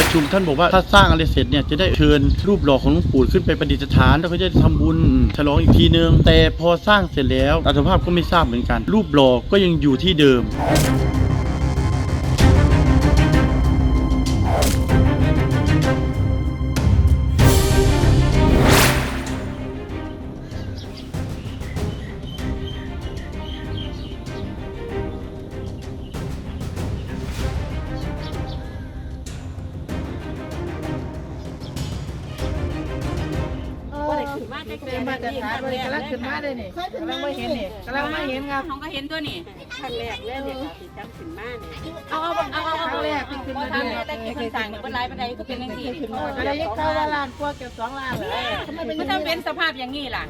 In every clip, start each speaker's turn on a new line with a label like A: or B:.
A: ชุมท่านบอกว่าถ้าสร้างอะไรเสร็จเนี่ยจะได้เชิญรูปหล่อของหลวงปู่ขึ้นไปประดิษฐานแล้วก็จะทำบุญฉลองอีกทีนึงแต่พอสร้างเสร็จแล้วอัตภาพก็ไม่ทราบเหมือนกันรูปหล่อก็ยังอยู่ที่เดิม
B: เป็นมาตรฐานเลยกำลังขึ้นมาเลยนี่กำลังไม่เห็นนี่กำลังไม่เห็นครับ
C: เขาก็เห็นตัวนี่
D: ครั้งแรกเลยเนี่ยค่ะที่จำขึ้นมาเนี่ย
C: เอา
B: ครั้งแรกเพิ่งขึ้นมา
C: ทาง
B: เนี่ย
C: แต่กี่คนสั่งเนี่ยเป็นไรเป็นไรก็เป็นอย่างนี้
B: ก็ได้ยินข่าวว่าล้านกว่าเกือบ2 ล้านเลยทำไมเป็น
C: มันถ้าเป็นสภาพอย่างนี้ล่ะ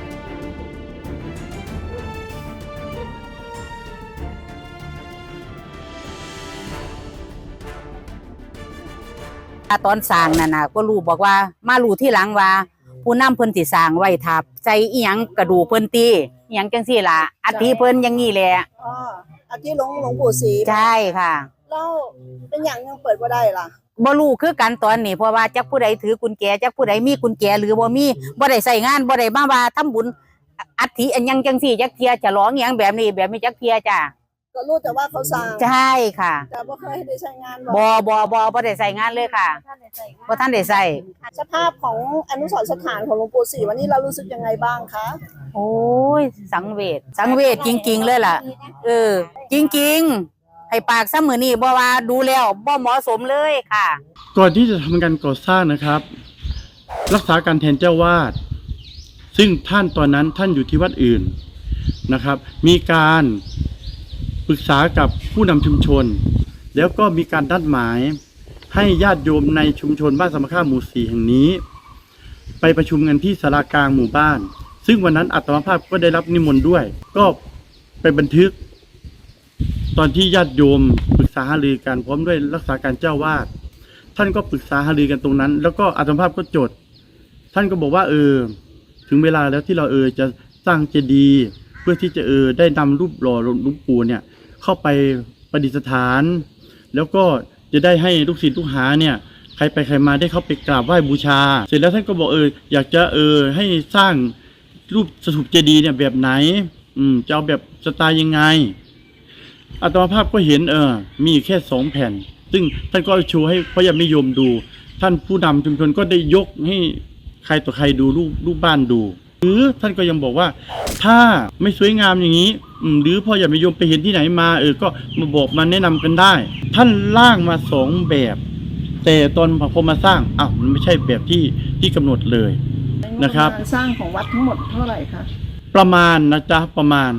E: ตอนสร้างนั่นน่ะก็รู้บอกว่ามารู้ที่หลังว่าผู้นำเพิ่นสิสร้างไว้ทับใจอีหยังกระดูกเพิ่นตีอีหยังจังซี่ล่ะอัฐิเพิ่นอย่างงี้แหละ
D: อ๋ออาทิหลวงปู่ศรี
E: ใช่ค่ะ
D: แล้วเป็นอย่างยังเปิดบ่ได้ล่ะ
E: บ่รู้คือกันตอนนี้เพราะว่าจักผู้ใดถือกุญแจจักผู้ใดมีกุญแจหรือบ่มีบ่ได้ใช้งานบ่ได้มาว่าทำบุญอัฐิอันหยังจังซี่จักเที่ยฉลองอีหยังแบบนี้จักเที่ยจ้ะ
D: ก็รู้แต่ว่าเขาสร้าง
E: ใช่ค่ะ
D: แต่บ่เคยได้ใช้งาน
E: บ่ได้ใช้งานเลยค่ะบ่ทันได้ใช้
D: สภาพของอนุสรณ์สถานของหลวงปู่ศรีวันนี้เรารู้สึกยังไงบ้างคะ
E: โอ้ยสังเวชจริงๆเลยล่ะจริงๆให้ปากซะมื้อนี้บ่ว่าดูแล้วบ่เหมาะสมเลยค่ะ
A: ก่อนที่จะทำการก่อสร้างนะครับรักษาการแทนเจ้าวาดซึ่งท่านตอนนั้นท่านอยู่ที่วัดอื่นนะครับมีการปรึกษากับผู้นำชุมชนแล้วก็มีการนัดหมายให้ญาติโยมในชุมชนบ้านสมค่าหมู่ 4แห่งนี้ไปประชุมกันที่ศาลากลางหมู่บ้านซึ่งวันนั้นอาตมาภาพก็ได้รับนิมนต์ด้วยก็ไปบันทึกตอนที่ญาติโยมปรึกษาหารือกันพร้อมด้วยรักษาการเจ้าวาดท่านก็ปรึกษาหารือกันตรงนั้นแล้วก็อาตมาภาพก็จดท่านก็บอกว่าถึงเวลาแล้วที่เราจะสร้างเจดีย์เพื่อที่จะได้นำรูปหล่อหลวงปู่เนี่ยเข้าไปประดิษฐานแล้วก็จะได้ให้ลูกศิษย์ลูกหาเนี่ยใครไปใครมาได้เข้าไปกราบไหว้บูชาเสร็จแล้วท่านก็บอกอยากจะให้สร้างรูปสถูปเจดีย์เนี่ยแบบไหนจะเอาแบบสไตล์ยังไงอาตมาภาพก็เห็นมีแค่2 แผ่นซึ่งท่านก็โชว์ให้พระญาติโยมดูท่านผู้นำชุมชนก็ได้ยกให้ใครต่อใครดูรูปบ้านดูหรือท่านก็ยังบอกว่าถ้าไม่สวยงามอย่างนี้หรือพ่ออย่าไปโยมไปเห็นที่ไหนมาก็มาบอกมาแนะนำกันได้ท่านร่างมา2 แบบแต่ตอนพอมาสร้างมันไม่ใช่แบบที่กำหนดเลยนะครับ
B: สร้างของวัดทั้งหมดเท่าไหร่คะ
A: ประมาณนะจ๊ะประมาณ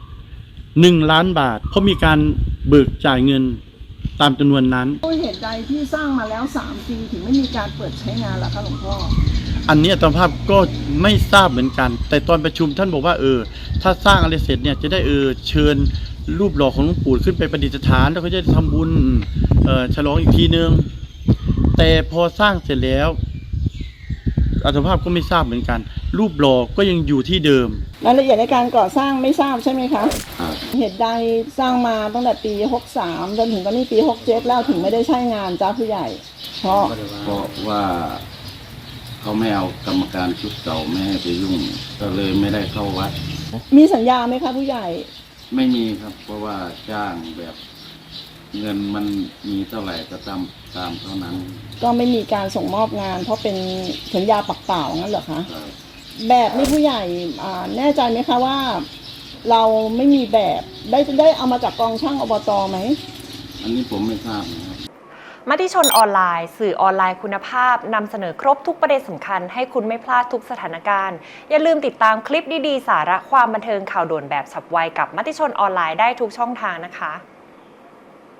A: 1 ล้านบาทเพราะมีการเบิกจ่ายเงินตามจำนวนนั้น
B: เหตุใดที่สร้างมาแล้ว3 ปีถึงไม่มีการเปิดใช้งานล่ะคะหลวงพ่อ
A: อันนี้อาตมาภาพก็ไม่ทราบเหมือนกันแต่ตอนประชุมท่านบอกว่าถ้าสร้างอะไรเสร็จเนี่ยจะได้เชิญรูปหล่อของหลวงปู่ขึ้นไปประดิษฐานแล้วก็จะทำบุญฉลองอีกทีนึงแต่พอสร้างเสร็จแล้วอาตมาภาพก็ไม่ทราบเหมือนกันรูปหล่อก็ยังอยู่ที่เดิม
B: รายละเอียดในการก่อสร้างไม่ทราบใช่ไหมคะเหตุใดสร้างมาตั้งแต่ปี63จนถึงตอนนี้ปี67แล้วถึงไม่ได้ใช้งานจ้าผู้ใหญ่
F: เพราะว่าเขาไม่เอากรรมการชุดเก่าไม่ให้ไปยุ่งก็เลยไม่ได้เข้าวัด
B: มีสัญญาไหมคะผู้ใหญ่
F: ไม่มีครับเพราะว่าจ้างแบบเงินมันมีเท่าไหร่ก็ตามเท่านั้น
B: ก็ไม่มีการส่งมอบงานเพราะเป็นสัญญาปากเปล่างั้นเหรอคะแบบนี้ผู้ใหญ่แน่ใจไหมคะว่าเราไม่มีแบบได้เอามาจากกองช่างอบต.ไหม
F: อันนี้ผมไม่ทราบนะครับ
G: มติชนออนไลน์สื่อออนไลน์คุณภาพนำเสนอครบทุกประเด็นสำคัญให้คุณไม่พลาดทุกสถานการณ์อย่าลืมติดตามคลิปดีๆสาระความบันเทิงข่าวด่วนแบบฉับไวกับมติชนออนไลน์ได้ทุกช่องทางนะคะ